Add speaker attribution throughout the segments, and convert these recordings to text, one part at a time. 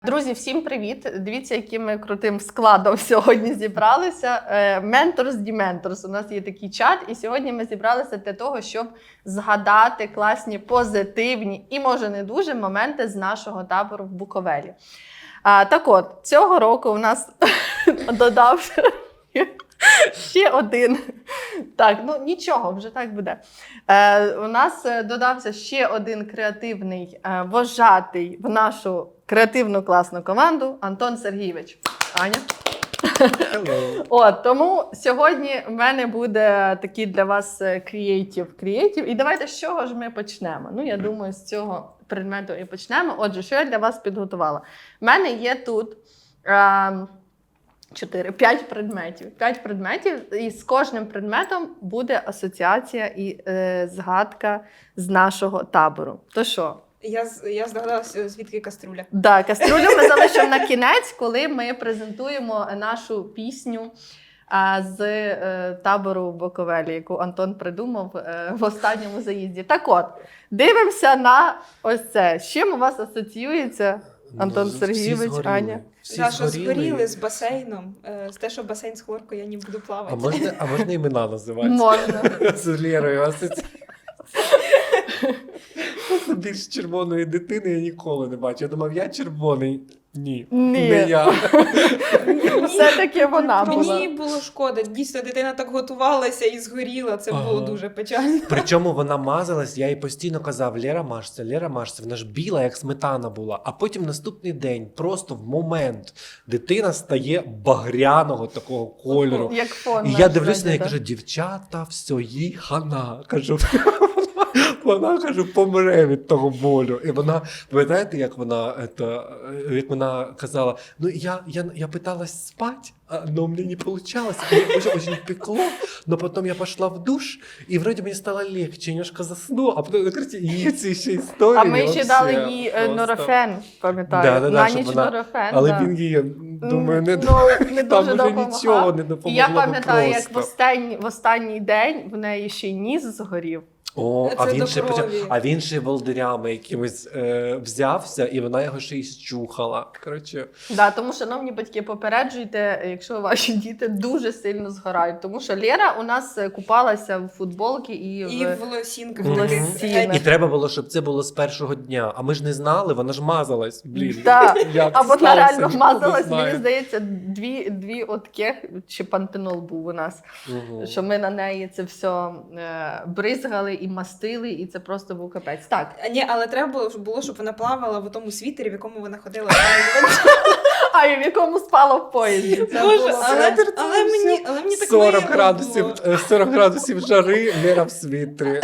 Speaker 1: Друзі, всім привіт! Дивіться, яким ми крутим складом сьогодні зібралися. Mentors Dementors. У нас є такий чат, і сьогодні ми зібралися для того, щоб згадати класні, позитивні і, може, не дуже моменти з нашого табору в Буковелі. Так от, цього року у нас додався ще один. Так, ну нічого, вже так буде. У нас додався ще один креативний вожатий в нашу креативну класну команду Антон Сергійович. Аня. От, тому сьогодні в мене буде такий для вас креатив. І давайте з чого ж ми почнемо? Ну, я думаю, з цього предмету і почнемо. Отже, що я для вас підготувала? У мене є тут 5 предметів. 5 предметів, і з кожним предметом буде асоціація і згадка з нашого табору. То що?
Speaker 2: Я здогадалася, звідки каструля.
Speaker 1: Так, каструлю ми залишимо на кінець, коли ми презентуємо нашу пісню з табору в Буковелі, яку Антон придумав в останньому заїзді. Так от, дивимося на ось це. З чим у вас асоціюється, Антон Сергійович, Аня?
Speaker 2: Що згоріли з басейном. З те, що басейн з хлоркою, я не буду плавати.
Speaker 3: А можна імена називати?
Speaker 1: Можна.
Speaker 3: З Лєрою асоціація. Більш червоної дитини я ніколи не бачив. Я думав, я червоний. Ні. Не я.
Speaker 1: Все-таки вона була.
Speaker 2: Мені було шкода. Дійсно, дитина так готувалася і згоріла. Це було дуже печально.
Speaker 3: Причому вона мазалась, я їй постійно казав, Лєра мажся. Вона ж біла, як сметана була. А потім наступний день, просто в момент, дитина стає багряного такого кольору.
Speaker 1: Як фон.
Speaker 3: І я дивлюсь на неї і кажу, дівчата, все, їй хана. Кажу, вона, кажу, помре від того болю. І вона, пам'ятаєте, як вона казала, ну я питалась спать, но мне не получалось, мне очень пекло, но потом я пошла в душ, и вроде мне стало легче, немножко засну, а потом, накрите, і ці ще історії.
Speaker 1: А ми ще дали їй норофен, пам'ятаю, на ніч норофен.
Speaker 3: Але він їй, думаю, не
Speaker 1: дуже
Speaker 3: нічого не допомогло.
Speaker 1: Я пам'ятаю, як в останній день в неї ще й ніс згорів.
Speaker 3: А він ще волдирями якимось взявся, і вона його ще й щухала. Коротше.
Speaker 1: Да, тому, шановні батьки, попереджуйте, якщо ваші діти дуже сильно згорають. Тому що Лєра у нас купалася в футболці і
Speaker 2: в лосінках.
Speaker 1: лосінах.
Speaker 3: І треба було, щоб це було з першого дня. А ми ж не знали, вона ж мазалась. Блін.
Speaker 1: Да.
Speaker 3: Як
Speaker 1: А вона реально
Speaker 3: ніхто
Speaker 1: мазалась,
Speaker 3: не
Speaker 1: мені
Speaker 3: знає.
Speaker 1: здається, дві отких, чи пантенол був у нас, що ми на неї це все бризгали і мастили, і це просто був капець. Так.
Speaker 2: Ні, але треба було, щоб вона плавала в тому світері, в якому вона ходила.
Speaker 1: А і в якому спала в поїзді. Це
Speaker 2: Боже,
Speaker 1: було
Speaker 2: але мені так
Speaker 3: 40 градусів жари, Лера в світрі.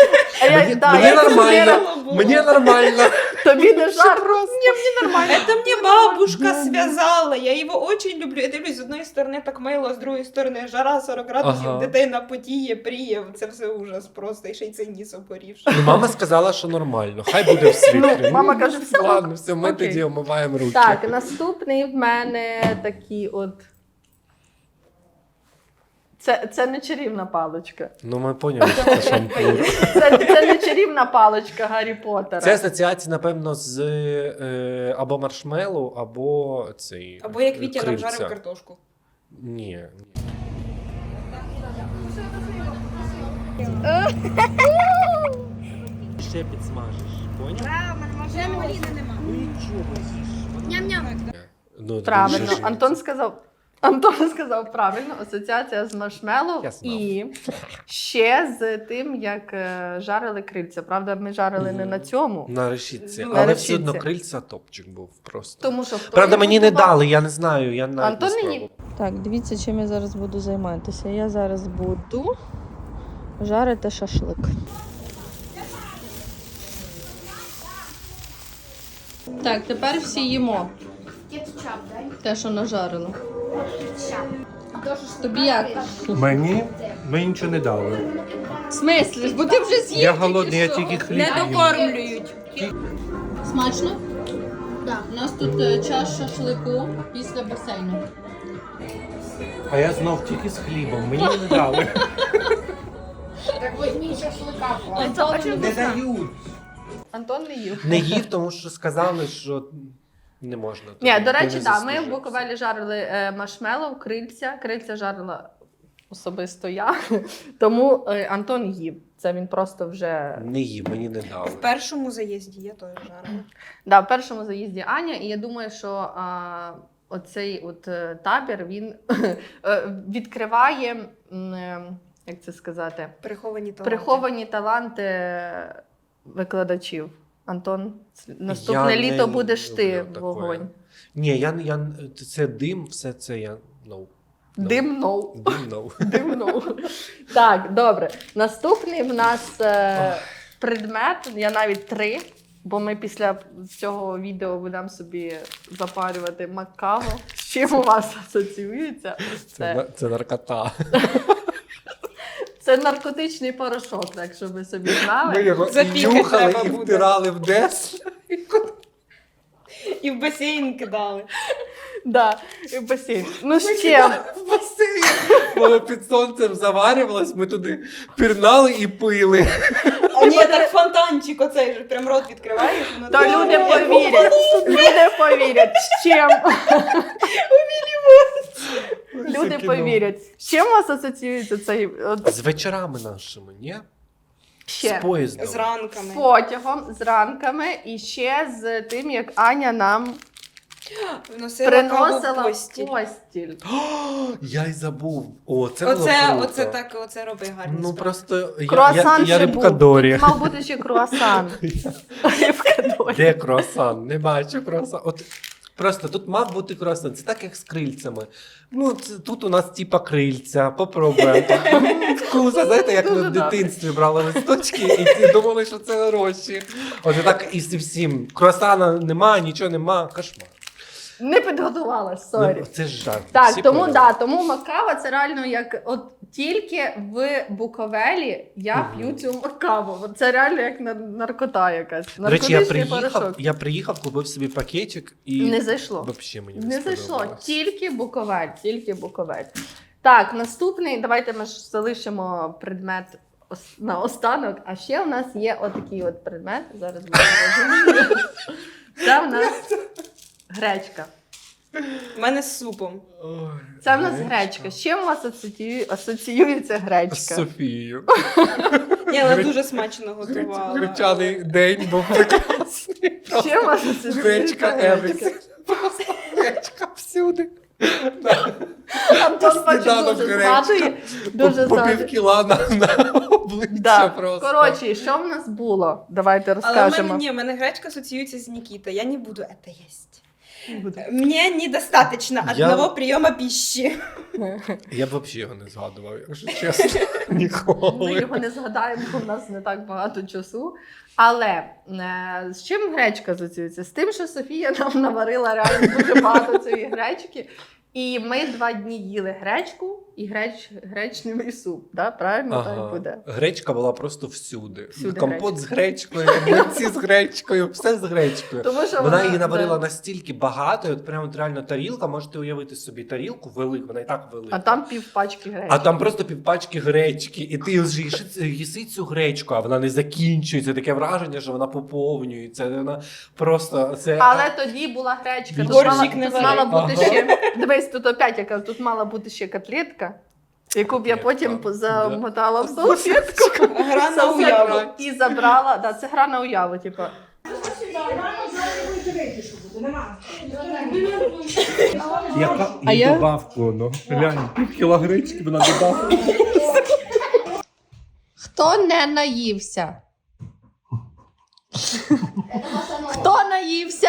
Speaker 1: Мені
Speaker 3: Мені нормально.
Speaker 1: Тобі не жарко? Ні, мені нормально.
Speaker 2: Это мне бабушка связала, я его очень люблю. Я дивлюсь, з одної сторони так мило, з другої сторони жара 40 градусів,
Speaker 3: Ага.
Speaker 2: дитина потіє, пріє, це все ужас просто, і ще й цей ніс обгорівши.
Speaker 3: Ну, мама сказала, що нормально. Хай буде в світрі.
Speaker 1: Ну, мама каже, все.
Speaker 3: Ладно, все, ми
Speaker 1: Окей.
Speaker 3: тоді омиваємо руки.
Speaker 1: Так, наступний в мене такий от. Це не чарівна паличка.
Speaker 3: Ну, ми поняли, що це шампур.
Speaker 1: Це не чарівна паличка Гаррі Поттера.
Speaker 3: Це асоціація, напевно, з або маршмеллоу, або цей.
Speaker 2: Або як Вітя нам
Speaker 3: крильця.
Speaker 2: жарив картошку.
Speaker 3: Ні. Ще підсмажиш, поняв?
Speaker 2: Вже маліни нема. Ням-ням.
Speaker 3: Ну,
Speaker 1: Правильно.
Speaker 3: дуже ж-
Speaker 1: Антон сказав правильно. Асоціація з маршмеллоу
Speaker 3: Я знав.
Speaker 1: і ще з тим, як жарили крильця. Правда, ми жарили не на цьому.
Speaker 3: На решітці.
Speaker 2: Ну,
Speaker 1: на
Speaker 3: Але
Speaker 1: решітці.
Speaker 3: все одно крильця топчик був просто.
Speaker 1: Тому що хто
Speaker 3: Правда,
Speaker 1: його
Speaker 3: мені не
Speaker 1: готував?
Speaker 3: дали, я не знаю. Я навіть
Speaker 1: Антон
Speaker 3: не
Speaker 1: мені-
Speaker 3: спробував.
Speaker 1: Так, дивіться, чим я зараз буду займатися. Я зараз буду жарити шашлик. Так, тепер всі їмо.
Speaker 4: Кетчап, дай.
Speaker 1: Те, що нажарили.
Speaker 4: Кетчап.
Speaker 1: Тобі як?
Speaker 3: Мені нічого не дали.
Speaker 1: В смислі? Бо ти вже з'їв.
Speaker 3: Я голодний, я тільки хліб
Speaker 2: Не
Speaker 3: їм.
Speaker 2: докормлюють.
Speaker 1: Смачно?
Speaker 4: Да.
Speaker 1: У нас тут час шашлику після басейну.
Speaker 3: А я знов тільки з хлібом, мені не дали.
Speaker 4: Так возьми шашлыка.
Speaker 1: Антон
Speaker 3: Не дають.
Speaker 1: Антон не їв.
Speaker 3: Не їв, тому що сказали, що Не можна.
Speaker 1: Ні,
Speaker 3: Ти
Speaker 1: до речі,
Speaker 3: не
Speaker 1: так, ми в
Speaker 3: заслужуєш.
Speaker 1: Буковелі жарили маршмеллоу, крильця. Крильця жарила особисто я. Тому Антон їв. Це він просто вже.
Speaker 3: Не їв, мені не дали.
Speaker 2: В першому заїзді я теж жарила.
Speaker 1: Да, в першому заїзді Аня, і я думаю, що оцей табір він відкриває, як це сказати, приховані таланти викладачів. Антон, наступне
Speaker 3: Я
Speaker 1: літо
Speaker 3: не
Speaker 1: будеш ти
Speaker 3: люблю
Speaker 1: вогонь.
Speaker 3: Ні, це дим, все це я. No.
Speaker 1: Димно.
Speaker 3: Дим, no.
Speaker 1: Димно. Так, добре. Наступний в нас предмет, я навіть 3, бо ми після цього відео будемо собі запарювати макаво. З чим у вас асоціюється?
Speaker 3: Це наркота.
Speaker 1: Це наркотичний порошок, так щоб ви собі знали.
Speaker 3: Ми його і
Speaker 2: Запікати
Speaker 3: нюхали,
Speaker 2: треба
Speaker 3: і
Speaker 2: буде.
Speaker 3: втирали в дес.
Speaker 2: І в басейн кидали.
Speaker 1: Да, і в басейн. Ну з чим?
Speaker 3: В басейн. Воно під сонцем заварювалось, ми туди пірнали і пили.
Speaker 2: А ні, так фонтанчик оцей же, прям рот відкриваєш. воно
Speaker 1: То
Speaker 2: так-
Speaker 1: люди повірять. Люди повірять. З чим? Люди повірять. З чим у вас асоціюється цей
Speaker 3: З вечорами нашими, ні?
Speaker 1: ще?
Speaker 3: З поїздом.
Speaker 2: З ранками.
Speaker 1: З потягом, з ранками і ще з тим, як Аня нам
Speaker 2: Вносила каву в
Speaker 1: приносила
Speaker 2: постіль.
Speaker 1: постіль.
Speaker 3: О, я й забув. О, це було круто.
Speaker 2: Оце так, оце роби гарні
Speaker 3: Ну
Speaker 2: справи.
Speaker 3: просто
Speaker 1: Круасан
Speaker 3: я
Speaker 1: ще
Speaker 3: рибка
Speaker 1: був.
Speaker 3: Дорі.
Speaker 1: Тут мав бути ще круасан. Рибка Дорі.
Speaker 3: Де круасан? Не бачу круасан. От просто тут мав бути круасан. Це так, як з крильцями. Ну, тут у нас типа крильця. Попробуємо. Вкусно, знаєте, як ми
Speaker 1: Дуже
Speaker 3: в дитинстві брали листочки і всі думали, що це гроші. От і так і зі всім. Круасана нема, нічого нема. Кошмар.
Speaker 1: Не підготувалась, сорі.
Speaker 3: Ну, це ж жарт.
Speaker 1: Так,
Speaker 3: Всі
Speaker 1: тому
Speaker 3: поняли.
Speaker 1: тому макава це реально як от тільки в Буковелі я
Speaker 3: Мгм.
Speaker 1: п'ю цю макаву. От це реально як наркота якась.
Speaker 3: До речі, я
Speaker 1: Наркотичний порошок.
Speaker 3: приїхав, купив собі пакетик і
Speaker 1: Не зайшло.
Speaker 3: Вообще мені
Speaker 1: Не зайшло.
Speaker 3: сподобалось.
Speaker 1: Тільки Буковель, тільки Буковель. Так, наступний, давайте ми ж залишимо предмет на останок. А ще у нас є отакий от предмет. Зараз буде розумію. Це в нас гречка.
Speaker 2: У мене з супом.
Speaker 3: Ой,
Speaker 1: Це в нас гречка. З чим у вас асоціюється
Speaker 3: З
Speaker 1: гречка?
Speaker 3: Софією.
Speaker 2: Ні, але дуже смачно готувала.
Speaker 3: Гречаний день був прекрасний.
Speaker 1: З чим у вас асоціюється
Speaker 3: Гречка
Speaker 1: гречка?
Speaker 3: everything. Просто гречка всюди.
Speaker 1: Антон бачу
Speaker 3: Сніданок
Speaker 1: дуже
Speaker 3: гречка.
Speaker 1: згадує. Дуже
Speaker 3: По
Speaker 1: згадує.
Speaker 3: пів кіла на обличчя
Speaker 1: Да.
Speaker 3: просто.
Speaker 1: Коротше, і що в нас було? Давайте
Speaker 2: Але
Speaker 1: розкажемо.
Speaker 2: в мене гречка асоціюється з Нікітою. Я не буду это есть. Мне недостаточно одного прийому пищи.
Speaker 3: Я б взагалі його не згадував, якщо чесно.
Speaker 1: Ми
Speaker 3: Ніколи.
Speaker 1: його не згадаємо, бо в нас не так багато часу. Але з чим гречка асоціюється? З тим, що Софія нам наварила реально дуже багато цієї гречки. І ми 2 дні їли гречку і гречневий суп. Да? Правильно так буде?
Speaker 3: Гречка була просто всюди.
Speaker 1: Всюди
Speaker 3: Компот з гречкою, млинці з гречкою, все з гречкою.
Speaker 1: Тому що
Speaker 3: Вона її наварила настільки багато, і от прямо от реально тарілка, можете уявити собі тарілку велику, вона і так велика.
Speaker 1: А там півпачки гречки.
Speaker 3: А там просто півпачки гречки, і ти вже їси цю гречку, а вона не закінчується. Таке враження, що вона поповнюється. Вона просто це.
Speaker 1: Але тоді була гречка. Тут
Speaker 2: Борщик не
Speaker 1: тут мала
Speaker 2: варить.
Speaker 1: бути ще. Дивись, тут опять яка тут мала бути ще котлетка, яку б я потім
Speaker 3: Да.
Speaker 1: замотала в салфетку.
Speaker 2: Гра на уяву.
Speaker 1: І забрала. Да, це гра на уяву, типу.
Speaker 3: Яка
Speaker 1: А я-
Speaker 3: добавку, ну. Глянь, півкіла гречки вона додала.
Speaker 1: Хто не наївся? Хто наївся?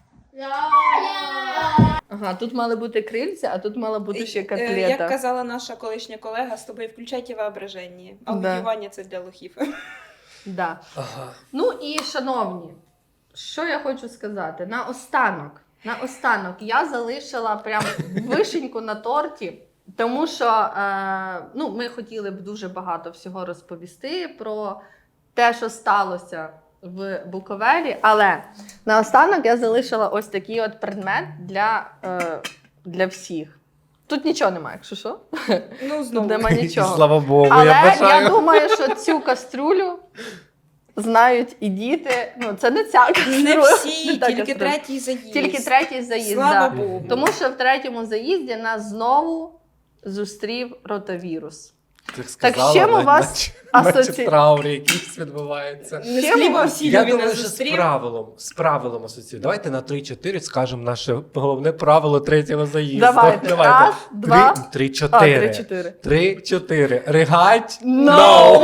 Speaker 1: Ага, тут мали бути крильця, а тут мала бути ще
Speaker 2: Як
Speaker 1: котлета.
Speaker 2: казала наша колишня колега, з тобою включайте воображення. Аудіювання це для лохів.
Speaker 1: Да.
Speaker 3: Ага.
Speaker 1: Ну і, шановні, що я хочу сказати? Наостанок я залишила прям вишеньку на торті, тому що ми хотіли б дуже багато всього розповісти про те, що сталося в Буковелі, але наостанок я залишила ось такий от предмет для всіх. Тут нічого немає, якщо що.
Speaker 2: Ну,
Speaker 1: Тут
Speaker 2: знову.
Speaker 1: нема нічого.
Speaker 3: Слава Богу,
Speaker 1: Але
Speaker 3: я бажаю.
Speaker 1: я думаю, що цю каструлю знають і діти. Ну, це не ця
Speaker 2: Не
Speaker 1: кастрюля.
Speaker 2: всі,
Speaker 1: не та
Speaker 2: тільки
Speaker 1: кастрюля.
Speaker 2: третій заїзд.
Speaker 1: Тільки третій заїзд,
Speaker 2: Слава
Speaker 1: да.
Speaker 2: Богу.
Speaker 1: Тому що в третьому заїзді нас знову зустрів ротавірус.
Speaker 3: Ти
Speaker 1: Так з чим у вас
Speaker 3: наче
Speaker 1: асоці-
Speaker 3: траур якийсь відбувається.
Speaker 2: Не з
Speaker 1: Чим
Speaker 2: хліба
Speaker 1: ви-
Speaker 2: всі
Speaker 3: Я
Speaker 2: він
Speaker 3: думаю,
Speaker 2: нас
Speaker 3: що
Speaker 2: зустрів.
Speaker 3: з правилом асоціюю. Давайте на 3-4 скажемо наше головне правило третього заїзду.
Speaker 1: Давайте. Раз, два,
Speaker 3: 3-4.
Speaker 1: 3-4.
Speaker 3: 3-4. Ригать?
Speaker 1: No!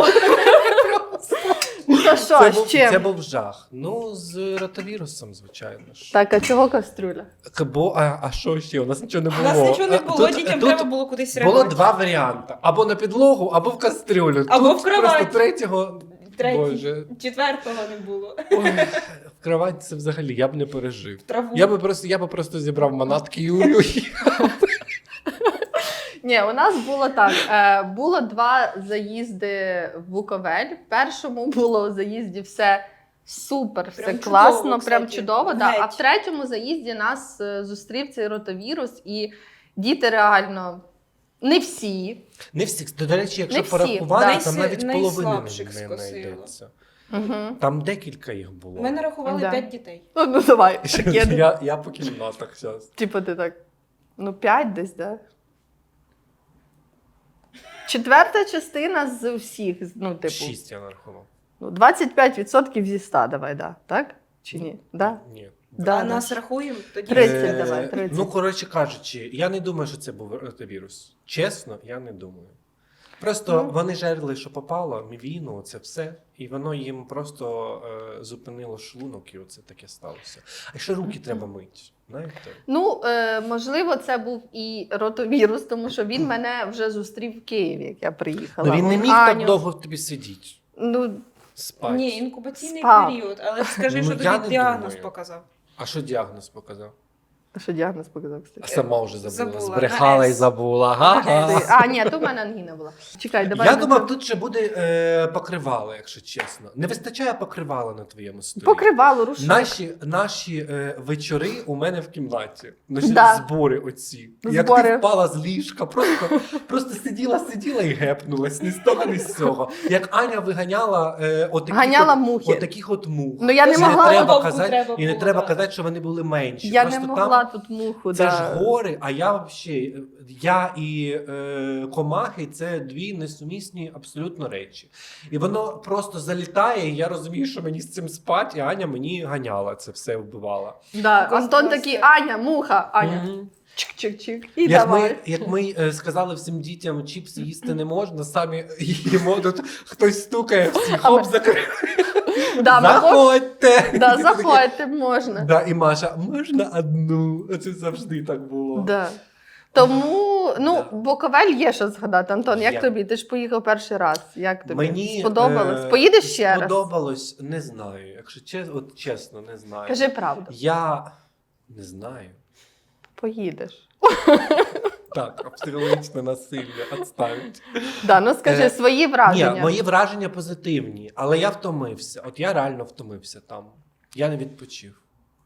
Speaker 1: То що,
Speaker 3: Це
Speaker 1: з
Speaker 3: був,
Speaker 1: чим?
Speaker 3: це був жах. Ну, з ротавірусом, звичайно ж.
Speaker 1: Так, а чого кастрюля?
Speaker 3: А що ще? У нас нічого не
Speaker 2: У
Speaker 3: було.
Speaker 2: нас нічого не було,
Speaker 3: Тут-
Speaker 2: дітям
Speaker 3: тут
Speaker 2: треба було кудись
Speaker 3: Було
Speaker 2: реагувати.
Speaker 3: два варіанти: або на підлогу, або в кастрюлю.
Speaker 2: Або
Speaker 3: Тут
Speaker 2: в кровать.
Speaker 3: Просто третього.
Speaker 2: Третій.
Speaker 3: Боже.
Speaker 2: Четвертого не було.
Speaker 3: Ой, в кровать це взагалі я б не пережив.
Speaker 2: Траву.
Speaker 3: Я би просто зібрав манатки і уїхав.
Speaker 1: Ні, у нас було так. Було два заїзди в Буковель. В першому було в заїзді все супер, все
Speaker 2: Прям
Speaker 1: класно,
Speaker 2: чудово,
Speaker 1: прям
Speaker 2: кстати.
Speaker 1: чудово. Да. А
Speaker 2: Геть.
Speaker 1: в третьому заїзді нас зустрів цей ротавірус, і діти реально не всі.
Speaker 3: Не всі. До речі, якщо
Speaker 1: Не всі,
Speaker 3: порахувати,
Speaker 1: да.
Speaker 3: там навіть половини
Speaker 2: Найслабших
Speaker 3: не
Speaker 2: скосило.
Speaker 3: знайдеться.
Speaker 1: Угу.
Speaker 3: Там декілька їх було.
Speaker 2: Ми нарахували
Speaker 1: Да.
Speaker 2: 5 дітей.
Speaker 1: Ну давай.
Speaker 3: Я по кімнатах зараз.
Speaker 1: Типу ти так, 5 десь, да? Четверта частина з усіх, ну, типу,
Speaker 3: 6 я нарахував.
Speaker 1: 25% зі 100, давай, да. Так? Чи ні? Да?
Speaker 3: Ні.
Speaker 1: Да,
Speaker 2: А
Speaker 1: да.
Speaker 2: нас рахуємо, тоді
Speaker 1: 30 давай, 30.
Speaker 3: Ну, коротше кажучи, я не думаю, що це був ротавірус. Чесно, я не думаю. Просто
Speaker 1: Ну.
Speaker 3: вони жерли, що попало, мівіну, це все, і воно їм просто зупинило шлунок, і оце таке сталося. А ще руки треба мити, знаєте?
Speaker 1: Ну, можливо, це був і ротавірус, тому що він мене вже зустрів в Києві, як я приїхала.
Speaker 3: Ну, він не міг
Speaker 1: Аню.
Speaker 3: так довго в тобі сидіти,
Speaker 1: Ну,
Speaker 3: спати.
Speaker 2: Ні, інкубаційний
Speaker 1: Спав.
Speaker 2: період, але скажи,
Speaker 3: Ну,
Speaker 2: що
Speaker 3: я
Speaker 2: тобі
Speaker 3: не
Speaker 2: діагноз
Speaker 3: думаю.
Speaker 2: показав.
Speaker 3: А що діагноз показав?
Speaker 1: що діагноз показав,
Speaker 3: А
Speaker 1: кстати.
Speaker 3: сама вже забула.
Speaker 2: Забула,
Speaker 3: Збрехала
Speaker 2: на
Speaker 3: і
Speaker 2: «С».
Speaker 3: забула. Ага.
Speaker 1: А, ні, то в мене ангіна була. Чекай, давай.
Speaker 3: Я
Speaker 1: ми
Speaker 3: думав,
Speaker 1: це-
Speaker 3: тут ще буде покривало, якщо чесно. Не вистачає покривала на твоєму столі.
Speaker 1: Покривало, рушник.
Speaker 3: Наші вечори у мене в кімнаті. Наші
Speaker 1: Да.
Speaker 3: збори оці. Як
Speaker 1: Збори.
Speaker 3: ти впала з ліжка, просто сиділа і гепнулась, ні з того, ні з цього. Як Аня виганяла
Speaker 1: Ганяла мухи.
Speaker 3: отаких от мух.
Speaker 1: Ну, я не
Speaker 3: І
Speaker 1: могла.
Speaker 3: треба
Speaker 2: Вовку
Speaker 3: казати,
Speaker 2: треба
Speaker 3: і не
Speaker 2: було,
Speaker 3: треба
Speaker 2: да.
Speaker 3: казати, що вони були менші.
Speaker 1: Я
Speaker 3: Просто
Speaker 1: не
Speaker 3: там
Speaker 1: могла тут муху.
Speaker 3: це
Speaker 1: да.
Speaker 3: ж гори, а я взагалі, я і комахи це дві несумісні абсолютно речі. І воно просто залітає, і я розумію, що мені з цим спать, і Аня мені ганяла це все, вбивала.
Speaker 1: Да.
Speaker 2: Якось
Speaker 1: Антон
Speaker 2: просто-
Speaker 1: такий, Аня, муха, Аня.
Speaker 3: Мгм.
Speaker 1: Чик-чик-чик. І
Speaker 3: Як
Speaker 1: давай.
Speaker 3: ми сказали всім дітям, чіпси їсти не можна, самі їмо, тут хтось стукає, всі хоп, закрив.
Speaker 1: Да, ми
Speaker 3: Заходьте!
Speaker 1: Да, заходьте, можна.
Speaker 3: Да, і Маша, можна одну? Це завжди так було.
Speaker 1: Да. Тому, ну,
Speaker 3: Да.
Speaker 1: Буковель є що згадати. Антон, як
Speaker 3: Є.
Speaker 1: тобі? Ти ж поїхав перший раз. Як тобі?
Speaker 3: Мені
Speaker 1: Сподобалось? Поїдеш ще раз?
Speaker 3: Сподобалось, не знаю. Якщо чесно, не знаю.
Speaker 1: Кажи правду.
Speaker 3: Я не знаю.
Speaker 1: Поїдеш.
Speaker 3: Так, психологічне насилля відставить.
Speaker 1: Да, ну скажи свої враження.
Speaker 3: Ні, мої враження позитивні, але я втомився. От я реально втомився там. Я не відпочив.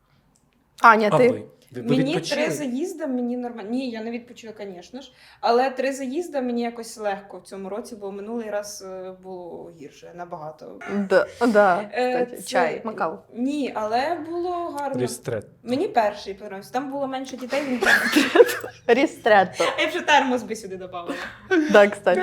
Speaker 1: Аня,
Speaker 3: А
Speaker 1: ти?
Speaker 3: ви? Ви
Speaker 2: Мені
Speaker 3: відпочили?
Speaker 2: 3 заїзди, мені нормально. Ні, я не відпочила, звісно ж. Але 3 заїзди мені якось легко в цьому році, бо минулий раз було гірше, набагато.
Speaker 1: Да, да. Кстати,
Speaker 2: Це-
Speaker 1: чай, макао.
Speaker 2: Ні, але було гарно.
Speaker 3: Рістрет.
Speaker 2: Мені перший подобався. Там було менше дітей, він
Speaker 1: Рістретто.
Speaker 2: я б ще термос би сюди додавала.
Speaker 1: Да, кстати.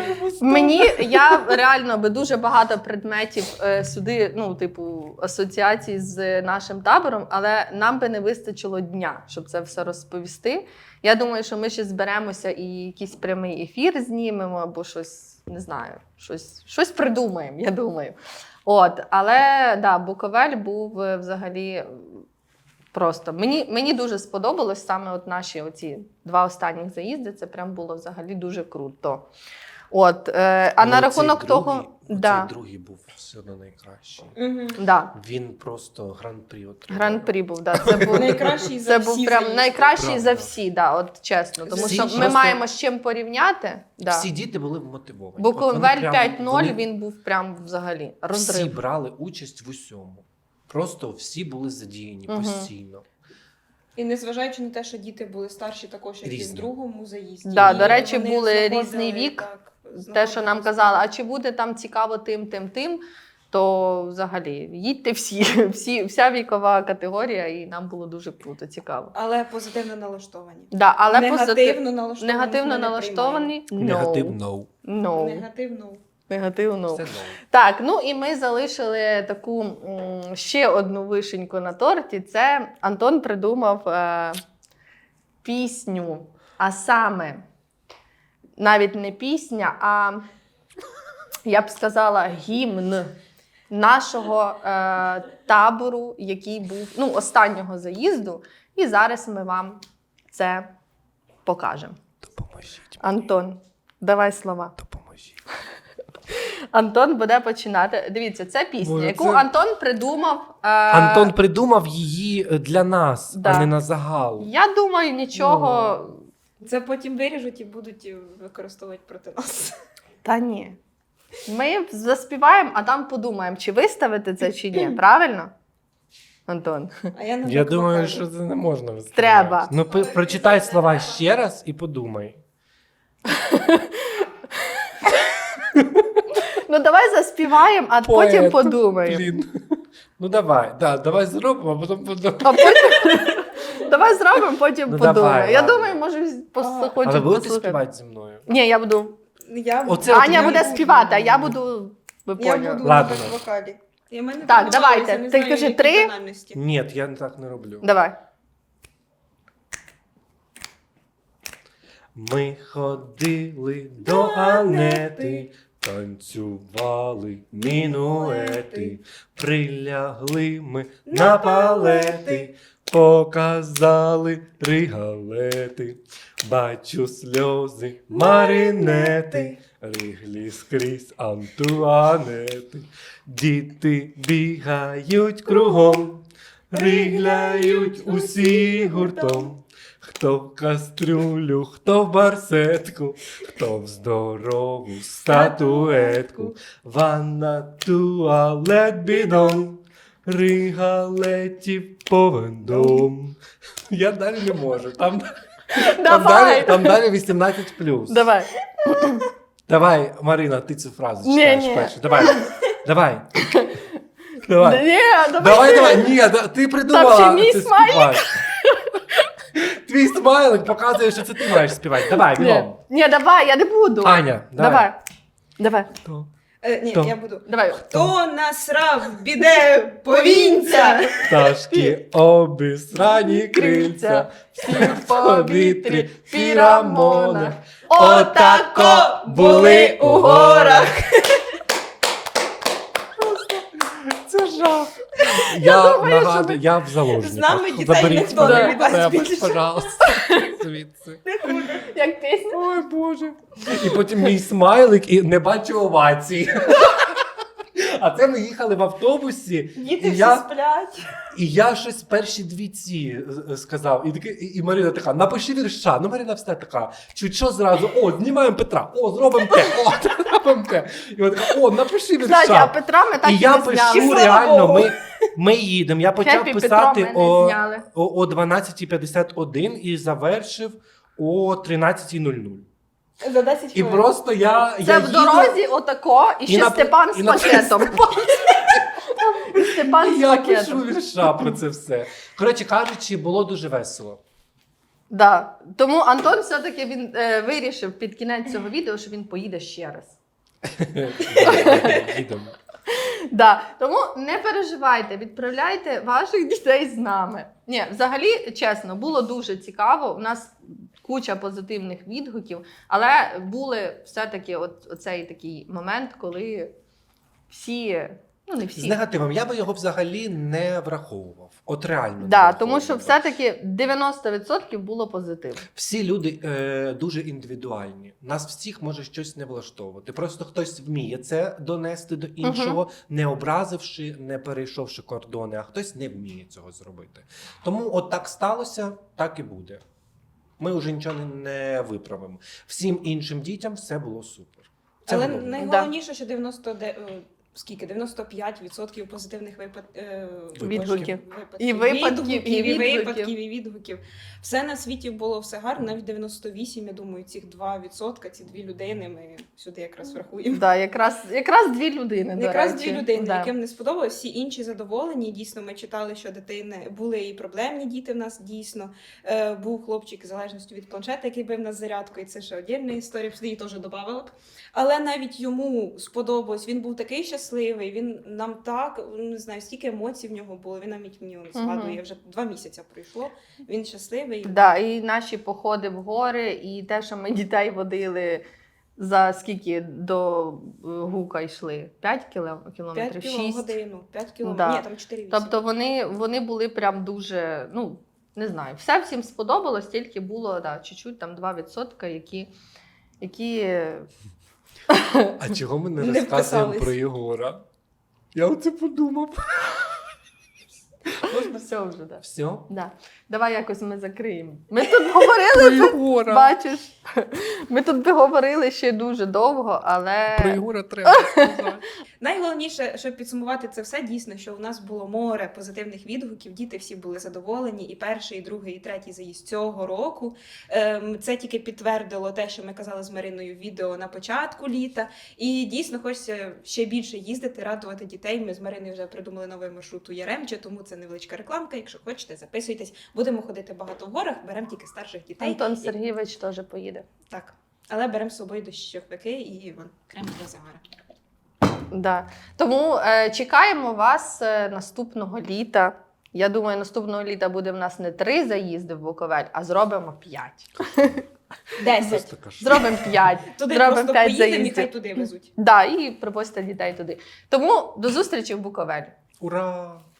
Speaker 1: Я реально би дуже багато предметів сюди, ну, типу, асоціацій з нашим табором, але нам би не вистачило дня, щоб це все розповісти. Я думаю, що ми ще зберемося і якийсь прямий ефір знімемо, або щось, не знаю, щось придумаємо, я думаю. От, але да, Буковель був взагалі просто. Мені дуже сподобалось саме от наші оці 2 останніх заїзди. Це прям було взагалі дуже круто. От, а на рахунок того, да,
Speaker 3: Цей другий був все одно найкращий.
Speaker 2: Угу.
Speaker 1: да,
Speaker 3: Він просто гран-прі отримав.
Speaker 1: гран-прі був, да, це був
Speaker 2: Найкращий за
Speaker 1: це був
Speaker 2: всі
Speaker 1: прям
Speaker 2: заїзди.
Speaker 1: найкращий
Speaker 3: Правда.
Speaker 1: за всі, да, от чесно. Тому
Speaker 3: Всі
Speaker 1: що ми
Speaker 3: просто-
Speaker 1: маємо з чим порівняти. Да.
Speaker 3: Всі діти були вмотивовані. От
Speaker 1: Буковель
Speaker 3: вони прям-
Speaker 1: 5-0,
Speaker 3: вони
Speaker 1: він був прям взагалі
Speaker 3: Всі
Speaker 1: розрив.
Speaker 3: брали участь в усьому. Просто всі були задіяні
Speaker 1: Мгм.
Speaker 3: постійно.
Speaker 2: І незважаючи на те, що діти були старші також, як і в
Speaker 3: Різні.
Speaker 2: другому заїзді.
Speaker 1: Да,
Speaker 2: і
Speaker 1: до речі,
Speaker 2: вони
Speaker 1: були
Speaker 2: знаходили,
Speaker 1: різний вік.
Speaker 2: так,
Speaker 1: Те, що нам
Speaker 2: знаходили
Speaker 1: казали, а чи буде там цікаво тим. то взагалі їдьте вся вікова категорія, і нам було дуже круто, цікаво.
Speaker 2: Але позитивно налаштовані.
Speaker 1: Да, але
Speaker 2: Негативно налаштовані.
Speaker 1: негативно налаштовані.
Speaker 3: Негатив no.
Speaker 1: No.
Speaker 2: Негативно.
Speaker 1: Негативно.
Speaker 3: Все no.
Speaker 1: Так, ну і ми залишили таку ще одну вишеньку на торті. Це Антон придумав пісню, а саме навіть не пісня, а я б сказала гімн нашого табору, який був останнього заїзду. І зараз ми вам це покажемо.
Speaker 3: Допоможіть.
Speaker 1: Антон, давай слова.
Speaker 3: Допоможіть.
Speaker 1: Антон буде починати. Дивіться, це пісня,
Speaker 3: Боже,
Speaker 1: яку
Speaker 3: це-
Speaker 1: Антон придумав.
Speaker 3: Антон придумав її для нас,
Speaker 1: Да.
Speaker 3: а не на загал.
Speaker 1: Я думаю, нічого.
Speaker 2: Це потім виріжуть і будуть використовувати проти нас.
Speaker 1: Та ні. Ми заспіваємо, а там подумаємо, чи виставити це, чи ні. Правильно? Антон.
Speaker 2: А я не
Speaker 3: Я
Speaker 2: так
Speaker 3: думаю,
Speaker 2: вокалю.
Speaker 3: що це не можна виставляти.
Speaker 1: Треба.
Speaker 3: Ну, прочитай слова ще раз і подумай.
Speaker 1: Ну давай заспіваємо, а
Speaker 3: Поет.
Speaker 1: потім подумаємо.
Speaker 3: Блін. Ну давай, давай зробимо, а потім подумаємо.
Speaker 1: А потім... Давай зробимо, потім
Speaker 3: Ну,
Speaker 1: подумаємо.
Speaker 3: давай,
Speaker 1: Я
Speaker 3: ладно.
Speaker 1: думаю, може
Speaker 3: Але
Speaker 1: хочуть
Speaker 3: будете
Speaker 1: послухати.
Speaker 3: співати зі мною?
Speaker 1: Ні, я буду.
Speaker 2: Я
Speaker 1: Аня
Speaker 3: я
Speaker 1: буде
Speaker 3: не
Speaker 1: співати, а я буду. Ви
Speaker 2: Я
Speaker 1: поняли.
Speaker 2: буду
Speaker 3: Ладно.
Speaker 2: на вокалі. І в мене
Speaker 1: Так,
Speaker 2: там
Speaker 1: давайте.
Speaker 2: голос, я не
Speaker 1: Ти
Speaker 2: знаю,
Speaker 1: кажи
Speaker 2: які
Speaker 1: 3.
Speaker 2: тональності.
Speaker 3: Ні, я так не роблю.
Speaker 1: Давай.
Speaker 3: Ми ходили до Анети, танцювали мінуети, прилягли ми на палети, показали ригалети, бачу сльози маринети, риглі скрізь Антуанети, діти бігають кругом, ригляють усі гуртом. Хто в кастрюлю, хто в барсетку, хто в здорову статуетку, ванна, туалет, бідон, ригалетів повен дом. Я далі не можу. Там
Speaker 1: Давай.
Speaker 3: далі 18+.
Speaker 1: Давай.
Speaker 3: Давай, Марина, ти цю фразу
Speaker 1: Ні,
Speaker 3: читаєш
Speaker 1: ні.
Speaker 3: перше. Давай. Давай.
Speaker 1: Ні,
Speaker 3: Давай. Ні, ти придумала.
Speaker 1: Там ще мій
Speaker 3: це
Speaker 1: смайлик.
Speaker 3: співати. Твій смайлик показує, що це ти маєш співати. Давай, бігом.
Speaker 1: Ні, давай, я не буду.
Speaker 3: Аня, давай.
Speaker 1: Давай.
Speaker 2: Ні,
Speaker 3: Хто?
Speaker 2: я буду.
Speaker 1: Давай.
Speaker 2: Хто насрав, біде, повінця.
Speaker 3: Пташки обісрані крильця,
Speaker 1: всі в повітрі,
Speaker 3: пірамона.
Speaker 2: Отако були у горах.
Speaker 3: Це жах. Я
Speaker 1: думаю, що
Speaker 3: нагадую, я в заложниках.
Speaker 2: З нами дітей
Speaker 3: Заберіть
Speaker 2: ніхто
Speaker 3: мене
Speaker 1: не
Speaker 3: від
Speaker 2: віддасть
Speaker 3: себе,
Speaker 2: більше.
Speaker 3: пожалуйста. Звідси.
Speaker 1: Як пісня?
Speaker 3: Ой, Боже. І потім мій смайлик і не бачу овацій. А це ми їхали в автобусі.
Speaker 2: Діти
Speaker 3: і
Speaker 2: всі
Speaker 3: я,
Speaker 2: сплять.
Speaker 3: і я щось перші дві ці сказав. І Марина така, напиши вірша. Ну, Марина все така, чуть що зразу, знімаємо Петра, зробимо те, зробимо те. І вона така, напиши вірша.
Speaker 1: Кстати, а Петра ми так
Speaker 3: І
Speaker 1: і
Speaker 3: я
Speaker 1: не
Speaker 3: пишу,
Speaker 1: зняли.
Speaker 2: Слава
Speaker 3: реально,
Speaker 2: Богу.
Speaker 3: ми їдемо. Я почав
Speaker 1: Хеппі
Speaker 3: писати
Speaker 1: Петро ми не зняли.
Speaker 3: о 12:51 і завершив о 13:00.
Speaker 2: За 10
Speaker 3: І
Speaker 2: хвилин.
Speaker 3: просто я
Speaker 1: Це в
Speaker 3: їду,
Speaker 1: дорозі отако, і ще
Speaker 3: на-
Speaker 1: Степан
Speaker 3: і
Speaker 1: з
Speaker 3: на-
Speaker 1: пакетом. І Степан
Speaker 3: і
Speaker 1: з
Speaker 3: я пишу
Speaker 1: пакетом.
Speaker 3: вірша про це все. Коротше кажучи, було дуже весело.
Speaker 1: Да. Тому Антон все-таки він вирішив під кінець цього відео, що він поїде ще раз.
Speaker 3: Їдемо.
Speaker 1: Да. Тому не переживайте, відправляйте ваших дітей з нами. Ні, взагалі, чесно, було дуже цікаво. У нас куча позитивних відгуків, але були все-таки оцей такий момент, коли всі, ну не
Speaker 3: З
Speaker 1: всі.
Speaker 3: негативом я би його взагалі не враховував. От реально. не
Speaker 1: Да, тому що
Speaker 3: враховував.
Speaker 1: все-таки 90% було позитиву.
Speaker 3: Всі люди дуже індивідуальні. Нас всіх може щось не влаштовувати. Просто хтось вміє це донести до іншого, не образивши, не перейшовши кордони, а хтось не вміє цього зробити. Тому от так сталося, так і буде. Ми вже нічого не виправимо. Всім іншим дітям все було супер. Це
Speaker 2: Але
Speaker 3: головне.
Speaker 2: найголовніше, що скільки 95% позитивних
Speaker 1: Відгуків.
Speaker 2: І
Speaker 1: І випадків, і відгуків.
Speaker 2: випадків, і відгуків. Все на світі було все гарно, навіть 98, я думаю, цих 2%, ці 2 людини ми сюди якраз врахуємо.
Speaker 1: Да, якраз 2 людини, до
Speaker 2: Якраз
Speaker 1: речі.
Speaker 2: 2 людини,
Speaker 1: Да.
Speaker 2: яким не сподобалось, всі інші задоволені. Дійсно, ми читали, що дитини були і проблемні діти в нас, дійсно. Був хлопчик з залежністю від планшета, який бив нас зарядкою, і це ще отдільна історія, сюди її теж додавала б. Але навіть йому сподобалось, він був такий щасливий, він нам так, не знаю, стільки емоцій в нього було, він навіть мені згадує, вже 2 місяці пройшло, він щасливий.
Speaker 1: Да, і наші походи в гори, і те, що ми дітей водили за скільки до Гука йшли? 5 кілометрів?
Speaker 2: 5
Speaker 1: 6?
Speaker 2: годину, 5 кілометрів,
Speaker 1: Да.
Speaker 2: ні, там 4-8.
Speaker 1: Тобто вони були прям дуже, ну, не знаю, все всім сподобалось, тільки було, да, чуть-чуть, там 2%, які
Speaker 3: А чого ми не
Speaker 2: Не
Speaker 3: розказуємо
Speaker 2: вписались.
Speaker 3: про Єгора? Я оце подумав.
Speaker 1: можна все вже, да.
Speaker 3: Все?
Speaker 1: Да. Давай якось ми закриємо. Ми тут говорили,
Speaker 3: Про Єгора.
Speaker 1: бачиш, ми тут говорили ще дуже довго, але...
Speaker 3: Про Єгора треба сказати.
Speaker 2: Найголовніше, щоб підсумувати це все, дійсно, що у нас було море позитивних відгуків, діти всі були задоволені, і перший, і другий, і третій заїзд цього року. Це тільки підтвердило те, що ми казали з Мариною в відео на початку літа. І дійсно хочеться ще більше їздити, радувати дітей. Ми з Мариною вже придумали новий маршрут у Яремче, тому це невеличка рекламка. Якщо хочете, записуйтесь. Будемо ходити багато в горах, беремо тільки старших дітей.
Speaker 1: Антон Сергійович теж поїде.
Speaker 2: Так. Але беремо з собою дощовики і крем для загара.
Speaker 1: Да. Тому чекаємо вас наступного літа. Я думаю, наступного літа буде в нас не 3 заїзди в Буковель, а зробимо 5.
Speaker 2: 10.
Speaker 3: Просто кажу.
Speaker 1: Зробимо 5.
Speaker 2: Туди
Speaker 1: Зробимо
Speaker 2: просто
Speaker 1: 5
Speaker 2: поїдемо і
Speaker 1: заїздів.
Speaker 2: хай туди везуть.
Speaker 1: Да, і привозьте дітей туди. Тому до зустрічі в Буковелі.
Speaker 3: Ура!